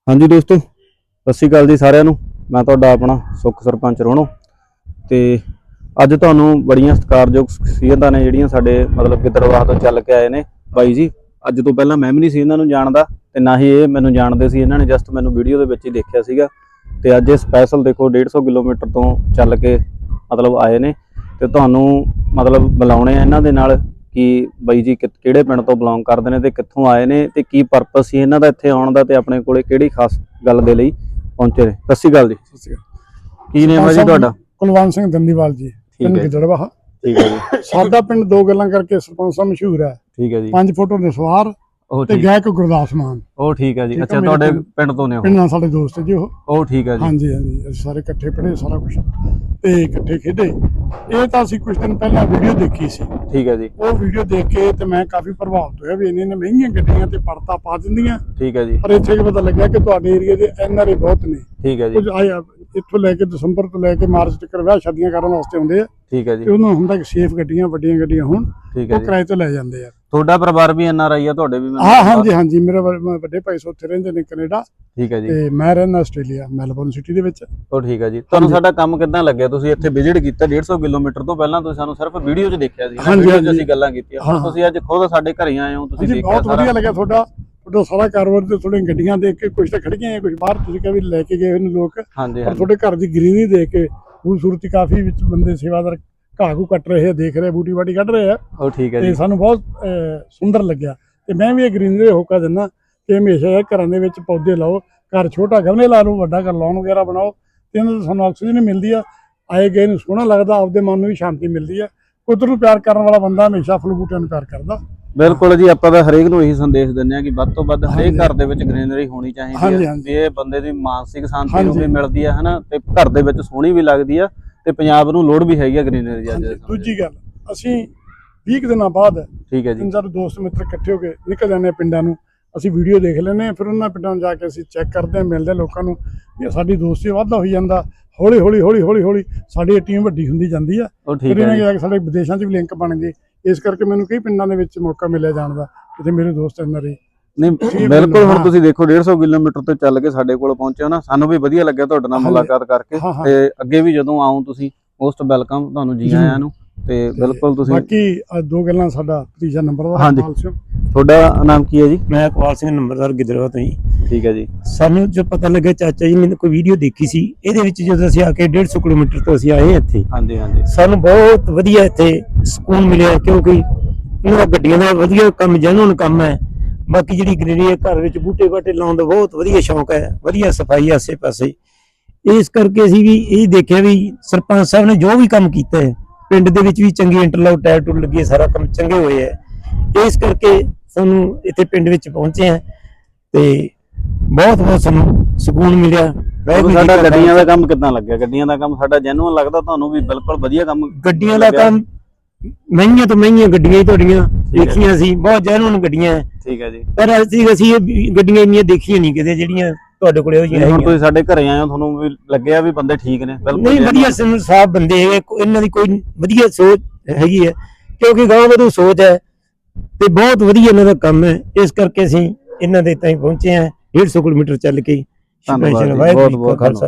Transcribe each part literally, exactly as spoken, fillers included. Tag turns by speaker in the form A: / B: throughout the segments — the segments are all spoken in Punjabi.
A: हाँ जी दोस्तों, सत श्री अकाल जी सारिਆਂ ਨੂੰ। मैं तुहाडा अपना सुख सरपंच रोहणो ते अज तुहानूं बड़ियां सत्कारयोग शख्सियतां ने जिहड़ियां साडे मतलब गिद्दड़बाह तो चल के आए ने बाई जी। अज तो पहलां मैं भी नहीं सी इन्हां नूं जाणदा ते ना ही ये मैनूं जाणदे सी। इन्हां ने जस्ट मैनूं वीडियो दे विच ही देखिया सीगा ते अज ये स्पैशल देखो डेढ़ सौ किलोमीटर तो चल के मतलब आए ने ते तुहानूं मतलब बुलाउणे आ इन्हां दे नाल कि बाई जी किहड़े पिंड तो बिलोंग करदे ने ते कित्थों आए ने ते की परपस सी इन्हां दा इत्थे आउण दा ते अपने कोले किहड़ी खास गल दे लई पहुंचे ने। सत श्री अकाल जी।
B: सत श्री अकाल।
A: की नेम है जी तुहाडा?
B: कुलवंत सिंह दंदीवाल जी, पिंड गिद्दड़बाह।
A: ठीक है जी।
B: साडा पिंड दो गल्लां करके सरपंच साहब मशहूर है।
A: ठीक है जी।
B: पांच फुट दे सवार ते गायक गुरदास मान।
A: ओ ठीक है जी। अच्छा तुहाडे पिंड तो ने?
B: पिंड नाल साडे दोस्त जी ओह।
A: ओ ठीक है जी।
B: हां जी हां जी, असीं सारे इकट्ठे पढ़े सारा कुछ ते इकट्ठे खेडे। ਇਹ ਤਾਂ ਅਸੀਂ ਕੁਝ ਦਿਨ ਪਹਿਲਾਂ ਵੀਡੀਓ ਦੇਖੀ ਸੀ।
A: ਠੀਕ ਹੈ ਜੀ।
B: ਉਹ ਵੀਡੀਓ ਦੇਖ ਕੇ ਤੇ ਮੈਂ ਕਾਫੀ ਪ੍ਰਭਾਵਿਤ ਹੋਇਆ ਵੀ ਇੰਨੇ ਇੰਨੇ ਮਹਿੰਗੀਆਂ ਗੱਡੀਆਂ ਤੇ ਪਰਤਾ ਪਾ ਦਿੰਦੀਆਂ।
A: ਠੀਕ ਹੈ ਜੀ।
B: ਪਰ ਇੱਥੇ ਕੀ ਪਤਾ ਲੱਗਿਆ ਕਿ ਤੁਹਾਡੇ ਏਰੀਆ ਦੇ ਐਨ ਆਰ ਆਈ ਬਹੁਤ ਨੇ।
A: ਠੀਕ ਹੈ ਜੀ।
B: ਕੁਝ ਆਇਆ ਇੱਥੋਂ ਲੈ ਕੇ ਦਸੰਬਰ ਤੋਂ ਲੈ ਕੇ ਮਾਰਚ ਤੱਕ ਵਿਆਹ ਸ਼ਾਦੀਆਂ ਕਰਨ ਵਾਸਤੇ ਆਉਂਦੇ ਆ।
A: ਠੀਕ ਹੈ ਜੀ।
B: ਤੇ ਉਹਨਾਂ ਹੁੰਦਾ ਕਿ ਸੇਫ ਗੱਡੀਆਂ ਵੱਡੀਆਂ ਗੱਡੀਆਂ ਹੋਣ,
A: ਠੀਕ ਹੈ
B: ਉਹ
A: ਜੀ।
B: ਕਿਰਾਏ ਤੇ ਲੈ ਜਾਂਦੇ ਆ।
A: ਤੁਹਾਡਾ ਪਰਿਵਾਰ ਵੀ ਐਨ ਆਰ ਆਈ ਆ? ਤੁਹਾਡੇ ਵੀ?
B: ਹਾਂ ਹਾਂ ਜੀ ਹਾਂ ਜੀ, ਮੇਰੇ ਵੱਡੇ ਭਾਈ ਉੱਥੇ ਰਹਿੰਦੇ ਨੇ ਕੈਨੇਡਾ।
A: ਠੀਕ ਹੈ ਜੀ।
B: ਤੇ ਮੈਂ ਰਹਿੰਦਾ ਆਸਟ੍ਰੇਲੀਆ ਮੈਲਬੌਰਨ ਸਿਟੀ ਦੇ ਵਿੱਚ।
A: ਉਹ ਠੀਕ ਹੈ ਜੀ। ਤੁਹਾਨੂੰ ਸਾਡਾ ਕੰਮ ਕਿੱਦਾਂ ਲੱਗਿਆ? ਤੁਸੀਂ ਇੱਥੇ ਵਿਜ਼ਿਟ ਕੀਤਾ ਡੇਢ ਸੌ ਕਿਲੋਮੀਟਰ ਤੋਂ ਪਹਿਲਾਂ ਤੁਸੀਂ ਸਾਨੂੰ ਸਿਰਫ ਵੀਡੀਓ 'ਚ ਦੇਖਿਆ ਸੀ, ਵੀਡੀਓ 'ਚ ਅਸੀਂ ਗੱਲਾਂ ਕੀਤੀਆਂ। ਹੁਣ ਤੁਸੀਂ ਅੱਜ ਖੁਦ ਸਾਡੇ ਘਰੇ ਆਏ ਹੋ, ਤੁਸੀਂ ਦੇਖਿਆ
B: ਬਹੁਤ ਵਧੀਆ ਲੱਗਿਆ ਤੁਹਾਡਾ ਤੁਹਾਡਾ ਸਾਰਾ ਕਾਰੋਬਾਰ ਤੇ ਥੋੜ੍ਹੀਆਂ ਗੱਡੀਆਂ ਦੇਖ ਕੇ ਕੁਝ ਤਾਂ ਖੜੀਆਂ ਆ, ਕੁਝ ਬਾਹਰ ਤੁਸੀਂ ਕਿਹਾ ਵੀ ਲੈ ਕੇ ਗਏ ਹੋਏ ਨੇ ਲੋਕ।
A: ਹਾਂਜੀ
B: ਪਰ ਤੁਹਾਡੇ ਘਰ ਦੀ ਗ੍ਰੀਨਰੀ ਦੇਖ ਕੇ ਖੂਬਸੂਰਤੀ ਕਾਫੀ ਵਿੱਚ ਬੰਦੇ ਸੇਵਾਦਾਰ ਘਾਹ ਘੂ ਕੱਟ ਰਹੇ ਆ, ਦੇਖ ਰਹੇ ਬੂਟੀ ਬਾਟੀ ਕੱਢ ਰਹੇ ਆ।
A: ਉਹ ਠੀਕ ਹੈ
B: ਤੇ
A: ਜੀ।
B: ਸਾਨੂੰ ਬਹੁਤ ਸੁੰਦਰ ਲੱਗਿਆ ਤੇ ਮੈਂ ਵੀ ਇਹ ਗ੍ਰੀਨਰੀ ਹੋਕਾ ਦਿੰਦਾ ਕਿ ਹਮੇਸ਼ਾ ਘਰਾਂ ਦੇ ਵਿੱਚ ਪੌਦੇ ਲਾਓ। ਘਰ ਛੋਟਾ ਗਮਲੇ ਲਾ ਲਓ, ਵੱਡਾ ਘਰ ਲਾਉਣ ਵਗੈਰਾ ਬਣਾਓ ਤੇ ਇਹਨਾਂ ਤੋਂ ਸਾਨੂੰ ਆਕਸੀਜਨ ਮਿਲਦੀ ਆ, ਆਏ ਗਏ ਨੂੰ ਸੋਹਣਾ ਲੱਗਦਾ, ਆਪਦੇ ਮਨ ਨੂੰ ਵੀ ਸ਼ਾਂਤੀ ਮਿਲਦੀ ਆ। ਕੁਦਰਤ ਨੂੰ ਪਿਆਰ ਕਰਨ ਵਾਲਾ ਬੰਦਾ ਹਮੇਸ਼ਾ ਫੁੱਲ ਬੂਟਿਆਂ ਨੂੰ ਪਿਆਰ ਕਰਦਾ।
A: ਬਿਲਕੁਲ ਜੀ। ਆਪਾਂ ਤਾਂ ਹਰੇਕ ਨੂੰ ਇਹੀ ਸੰਦੇਸ਼ ਦਿੰਦੇ ਆ ਕਿ ਵੱਧ ਤੋਂ ਵੱਧ ਹਰੇਕ ਘਰ ਦੇ ਵਿੱਚ ਗ੍ਰੀਨਰੀ ਹੋਣੀ ਚਾਹੀਦੀ ਹੈ। ਇਹ ਬੰਦੇ ਦੀ ਮਾਨਸਿਕ ਸ਼ਾਂਤੀ ਨੂੰ ਵੀ ਮਿਲਦੀ ਹੈ ਹਨਾ, ਤੇ ਘਰ ਦੇ ਵਿੱਚ ਸੋਹਣੀ ਵੀ ਲੱਗਦੀ ਆ ਤੇ ਪੰਜਾਬ ਨੂੰ ਲੋੜ ਵੀ ਹੈਗੀ ਆ ਗ੍ਰੀਨਰੀ ਦੀ। ਅੱਜ
B: ਦੂਜੀ ਗੱਲ, ਅਸੀਂ ਵੀਹ ਦਿਨਾਂ ਬਾਅਦ
A: ਠੀਕ ਹੈ ਜੀ
B: ਤਿੰਨ ਚਾਰ ਦੋਸਤ ਮਿੱਤਰ ਇਕੱਠੇ ਹੋ ਕੇ ਨਿਕਲ ਜਾਂਦੇ ਆ ਪਿੰਡਾਂ ਨੂੰ। ਅਸੀਂ ਵੀਡੀਓ ਦੇਖ ਲੈਂਦੇ ਹਾਂ, ਫਿਰ ਉਹਨਾਂ ਪਿੰਡਾਂ ਨੂੰ ਜਾ ਕੇ ਅਸੀਂ ਚੈੱਕ ਕਰਦੇ ਹਾਂ, ਮਿਲਦੇ ਲੋਕਾਂ ਨੂੰ। ਇਹ ਸਾਡੀ ਦੋਸਤੀ ਵਾਧਾ ਹੋਈ ਜਾਂਦਾ। ਹੌਲੀ ਹੌਲੀ ਹੌਲੀ ਹੌਲੀ ਹੌਲੀ ਸਾਡੀ ਟੀਮ ਵੱਡੀ ਹੁੰਦੀ ਜਾਂਦੀ ਆ। ਫਿਰ ਇਹਨਾਂ ਜਾ ਕੇ ਸਾਡੇ ਵਿਦੇਸ਼ਾਂ 'ਚ ਵੀ ਲਿੰਕ ਬਣ ਗਏ। ਇਸ ਕਰਕੇ ਮੈਨੂੰ ਕਈ ਪਿੰਡਾਂ ਦੇ ਵਿੱਚ ਮੌਕਾ ਮਿਲਿਆ ਜਾਣ ਦਾ, ਜਿੱਥੇ ਮੇਰੇ ਦੋਸਤ ਇਹਨਾਂ ਦੇ।
A: ਨਹੀਂ ਬਿਲਕੁਲ। ਹੁਣ ਤੁਸੀਂ ਦੇਖੋ ਡੇਢ ਸੌ ਕਿਲੋਮੀਟਰ ਤੋਂ ਚੱਲ ਕੇ ਸਾਡੇ ਕੋਲ ਪਹੁੰਚੇ ਹੋ ਨਾ, ਸਾਨੂੰ ਵੀ ਵਧੀਆ ਲੱਗਿਆ ਤੁਹਾਡੇ ਨਾਲ ਮੁਲਾਕਾਤ ਕਰਕੇ। ਤੇ ਅੱਗੇ ਵੀ ਜਦੋਂ ਆਉਂ ਤੁਸੀਂ ਮੋਸਟ ਵੈਲਕਮ, ਤੁਹਾਨੂੰ ਜੀ ਆਇਆਂ ਨੂੰ। ਤੇ ਬਿਲਕੁਲ ਤੁਸੀਂ
B: ਬਾਕੀ ਦੋ ਗੱਲਾਂ, ਸਾਡਾ ਤੀਜਾ ਨੰਬਰ ਦਾ।
A: ਹਾਂਜੀ, ਤੁਹਾਡਾ ਨਾਮ ਕੀ ਹੈ ਜੀ?
C: मैं इकबाल सिंह नंबरदार गिद्दड़बाह तो जी।
A: ਠੀਕ ਹੈ ਜੀ।
C: ਸਾਨੂੰ ਜੋ ਪਤਾ ਲੱਗਾ ਚਾਚਾ ਜੀ ਨੇ ਕੋਈ ਵੀਡੀਓ ਦੇਖੀ ਸੀ, ਇਹਦੇ ਵਿੱਚ ਜਦੋਂ ਅਸੀਂ ਆ ਕੇ ਡੇਢ ਸੌ ਕਿਲੋਮੀਟਰ ਤੋਂ ਅਸੀਂ ਆਏ ਇੱਥੇ।
A: ਹਾਂਜੀ ਹਾਂਜੀ।
C: ਸਾਨੂੰ ਬਹੁਤ ਵਧੀਆ ਇੱਥੇ ਸਕੂਨ ਮਿਲਿਆ, ਕਿਉਂਕਿ ਇਹਨਾਂ ਦਾ ਗੱਡੀਆਂ ਦਾ ਵਧੀਆ ਕੰਮ, ਜੈਨੂਨ ਕੰਮ ਹੈ। ਬਾਕੀ ਜਿਹੜੀ ਗ੍ਰੀਨਰੀ ਹੈ, ਘਰ ਵਿੱਚ ਬੂਟੇ ਬਾਟੇ ਲਾਉਣ ਦਾ ਬਹੁਤ ਵਧੀਆ ਸ਼ੌਂਕ ਹੈ, ਵਧੀਆ ਸਫਾਈ ਆਸੇ ਪਾਸੇ। ਇਸ ਕਰਕੇ ਅਸੀਂ ਵੀ ਇਹ ਦੇਖਿਆ ਵੀ ਸਰਪੰਚ ਸਾਹਿਬ ਨੇ ਜੋ ਵੀ ਕੰਮ ਕੀਤਾ ਹੈ ਪਿੰਡ ਦੇ ਵਿੱਚ ਵੀ ਚੰਗੀ ਇੰਟਰਲੌਕ ਟਾਇਰ ਟੂਰ ਲੱਗੀ, ਸਾਰਾ ਕੰਮ ਚੰਗੇ ਹੋਏ ਹੈ। ਇਸ ਕਰਕੇ ਸਾਨੂੰ ਇੱਥੇ ਪਿੰਡ ਵਿੱਚ ਪਹੁੰਚੇ ਆ ਤੇ ਬਹੁਤ ਬਹੁਤ ਸਾਨੂੰ ਸਕੂਨ ਮਿਲਿਆ।
A: ਸਾਡਾ ਗੱਡੀਆਂ ਦਾ ਕੰਮ ਕਿੱਦਾਂ ਲੱਗਿਆ? ਗੱਡੀਆਂ ਦਾ ਕੰਮ ਸਾਡਾ ਜੈਨੂਅਨ ਲੱਗਦਾ ਤੁਹਾਨੂੰ ਵੀ? ਬਿਲਕੁਲ ਵਧੀਆ ਕੰਮ।
C: ਗੱਡੀਆਂ ਦਾ ਕੰਮ ਮਹਿੰਗੀਆਂ ਤੋਂ ਮਹਿੰਗੀਆਂ ਗੱਡੀਆਂ ਹੀ ਤੁਹਾਡੀਆਂ ਦੇਖੀਆਂ ਸੀ, ਬਹੁਤ ਜੈਨੂਅਨ ਗੱਡੀਆਂ।
A: ਠੀਕ ਹੈ ਜੀ।
C: ਪਰ ਅਸੀਂ ਅਸੀਂ ਇਹ ਗੱਡੀਆਂ ਇੰਨੀਆਂ ਦੇਖੀਆਂ ਨਹੀਂ ਕਿਤੇ ਜਿਹੜੀਆਂ ਤੁਹਾਡੇ ਕੋਲੇ ਹੋਈਆਂ।
A: ਹੁਣ ਤੁਸੀਂ ਸਾਡੇ ਘਰੇ ਆਏ ਹੋ, ਤੁਹਾਨੂੰ ਵੀ ਲੱਗਿਆ ਵੀ ਬੰਦੇ ਠੀਕ ਨੇ? ਬਿਲਕੁਲ
C: ਨਹੀਂ, ਵਧੀਆ ਸਾਫ ਬੰਦੇ ਹੈਗੇ, ਇਹਨਾਂ ਦੀ ਕੋਈ ਵਧੀਆ ਸੋਚ ਹੈਗੀ ਹੈ, ਕਿਉਂਕਿ ਗਾਂਵ ਵਧੂ ਸੋਚ ਹੈ ਤੇ ਬਹੁਤ ਵਧੀਆ ਇਹਨਾਂ ਦਾ ਕੰਮ ਹੈ। ਇਸ ਕਰਕੇ ਅਸੀਂ ਇਹਨਾਂ ਦੇ ਤਾਈਂ ਪਹੁੰਚੇ ਆ ਡੇਢ ਸੌ ਕਿਲੋਮੀਟਰ ਚੱਲ ਕੇ।
A: ਧੰਨਵਾਦ, ਬਹੁਤ ਬਹੁਤ ਖਾਲਸਾ।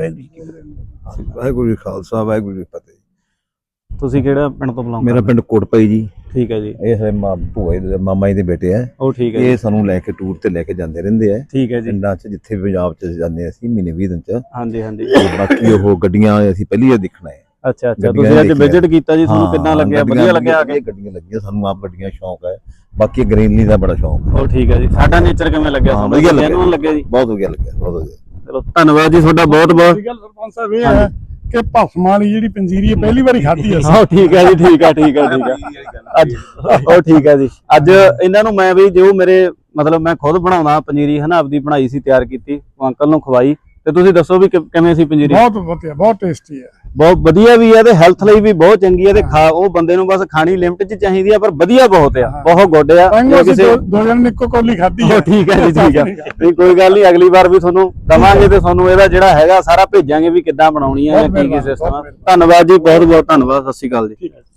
D: ਵਾਹਿਗੁਰੂ ਜੀ ਖਾਲਸਾ, ਵਾਹਿਗੁਰੂ ਜੀ ਫਤਿਹ।
A: ਤੁਸੀਂ ਕਿਹੜਾ ਪਿੰਡ ਤੋਂ ਬਿਲੋਂਗ?
D: ਮੇਰਾ ਪਿੰਡ ਕੋਟਪਾਈ ਜੀ।
A: ਠੀਕ ਹੈ ਜੀ।
D: ਇਹ ਸਾਡੇ ਭੂਆ ਜੀ, ਮਾਮਾ ਜੀ ਦੇ ਬੇਟੇ ਆ।
A: ਉਹ ਠੀਕ ਹੈ।
D: ਇਹ ਸਾਨੂੰ ਲੈ ਕੇ ਟੂਰ ਤੇ ਲੈ ਕੇ ਜਾਂਦੇ ਰਹਿੰਦੇ ਆ।
A: ਠੀਕ ਹੈ ਜੀ।
D: ਪਿੰਡਾਂ 'ਚ ਜਿੱਥੇ ਵੀ ਪੰਜਾਬ 'ਚ ਜਾਂਦੇ ਅਸੀਂ ਮਹੀਨੇ ਵੀਹ ਦਿਨ 'ਚ।
A: ਹਾਂਜੀ ਹਾਂਜੀ।
D: ਬਾਕੀ ਉਹ ਗੱਡੀਆਂ ਅਸੀਂ ਪਹਿਲੀ ਵਾਰ ਦੇਖਣਾ ਹੈ।
A: ਅੱਛਾ ਅੱਛਾ। ਤੁਸੀਂ ਅੱਜ ਵਿਜ਼ਿਟ ਕੀਤਾ ਜੀ, ਤੁਹਾਨੂੰ ਕਿੱਦਾਂ ਲੱਗਿਆ? ਵਧੀਆ ਲੱਗਿਆ ਆ ਕੇ?
D: ਗੱਡੀਆਂ ਲੱਗੀਆਂ ਸਾਨੂੰ, ਆਪ ਗੱਡੀਆਂ ਸ਼ੌਂਕ ਹੈ। ਬਾਕੀ ਗ੍ਰੀਨਰੀ ਦਾ ਬੜਾ ਸ਼ੌਂਕ ਹੈ।
A: ਉਹ ਠੀਕ ਹੈ ਜੀ। ਸਾਡਾ ਨੇਚਰ ਕਿਵੇਂ ਲੱਗਿਆ ਤੁਹਾਨੂੰ?
D: ਵਧੀਆ
A: ਲੱਗਿਆ ਜੀ?
D: ਬਹੁਤ ਵਧੀਆ ਲੱਗਿਆ, ਬਹੁਤ ਵਧੀਆ।
A: ਚਲੋ ਧੰਨਵਾਦ ਜੀ ਤੁਹਾਡਾ ਬਹੁਤ ਬਹੁਤ।
B: ਸਰਪੰਚ ਸਾਹਿਬ ਇਹ ਹੈ ਕਿ ਭਸਮ ਵਾਲੀ ਜਿਹੜੀ ਪੰਜੀਰੀ ਹੈ ਪਹਿਲੀ ਵਾਰੀ ਖਾਧੀ ਅਸੀਂ।
A: ਹਾਂ ਠੀਕ ਹੈ ਜੀ, ਠੀਕ ਹੈ ਠੀਕ ਹੈ ਠੀਕ ਹੈ। ਅੱਜ ਉਹ ਠੀਕ ਹੈ ਜੀ। ਅੱਜ ਇਹਨਾਂ ਨੂੰ ਮੈਂ ਵੀ ਜੋ ਮੇਰੇ ਮਤਲਬ ਮੈਂ ਖੁਦ ਬਣਾਉਣਾ ਪੰਜੀਰੀ ਹਨਾ, ਆਪਦੀ ਬਣਾਈ ਸੀ, ਤਿਆਰ ਕੀਤੀ, ਅੰਕਲ ਨੂੰ ਖਵਾਈ। ਤੇ ਤੁਸੀਂ ਦੱਸੋ ਵੀ ਕਿਵੇਂ ਸੀ ਪੰਜੀਰੀ?
B: ਬਹੁਤ ਵਧੀਆ, ਬਹੁਤ ਟੇਸਟੀ ਹੈ,
A: ਬਹੁਤ ਵਧੀਆ ਵੀ ਹੈ ਤੇ ਹੈਲਥ ਲਈ ਵੀ ਬਹੁਤ ਚੰਗੀ ਹੈ। ਤੇ ਖਾ ਉਹ ਬੰਦੇ ਨੂੰ ਬਸ ਖਾਣੀ ਲਿਮਟ 'ਚ ਚਾਹੀਦੀ ਆ, ਪਰ ਵਧੀਆ ਬਹੁਤ ਆ, ਬਹੁਤ ਗੁੱਡ ਆ।
B: ਕਿਸੇ ਦੋ ਜਣ ਨੇ ਇੱਕੋ ਕੌਲੀ ਖਾਧੀ ਹੈ।
A: ਠੀਕ ਹੈ ਜੀ, ਠੀਕ ਹੈ। ਨਹੀਂ ਕੋਈ ਗੱਲ ਨਹੀਂ, ਅਗਲੀ ਵਾਰ ਵੀ ਤੁਹਾਨੂੰ ਦਵਾਂਗੇ ਤੇ ਤੁਹਾਨੂੰ ਇਹਦਾ ਜਿਹੜਾ ਹੈਗਾ ਸਾਰਾ ਭੇਜਾਂਗੇ ਵੀ ਕਿੱਦਾਂ ਬਣਾਉਣੀ ਹੈ ਜਾਂ ਕੀ ਕੀ ਸਿਸਟਮ ਆ। ਧੰਨਵਾਦ ਜੀ, ਬਹੁਤ ਬਹੁਤ ਧੰਨਵਾਦ। ਸਤਿ ਸ਼੍ਰੀ ਅਕਾਲ ਜੀ।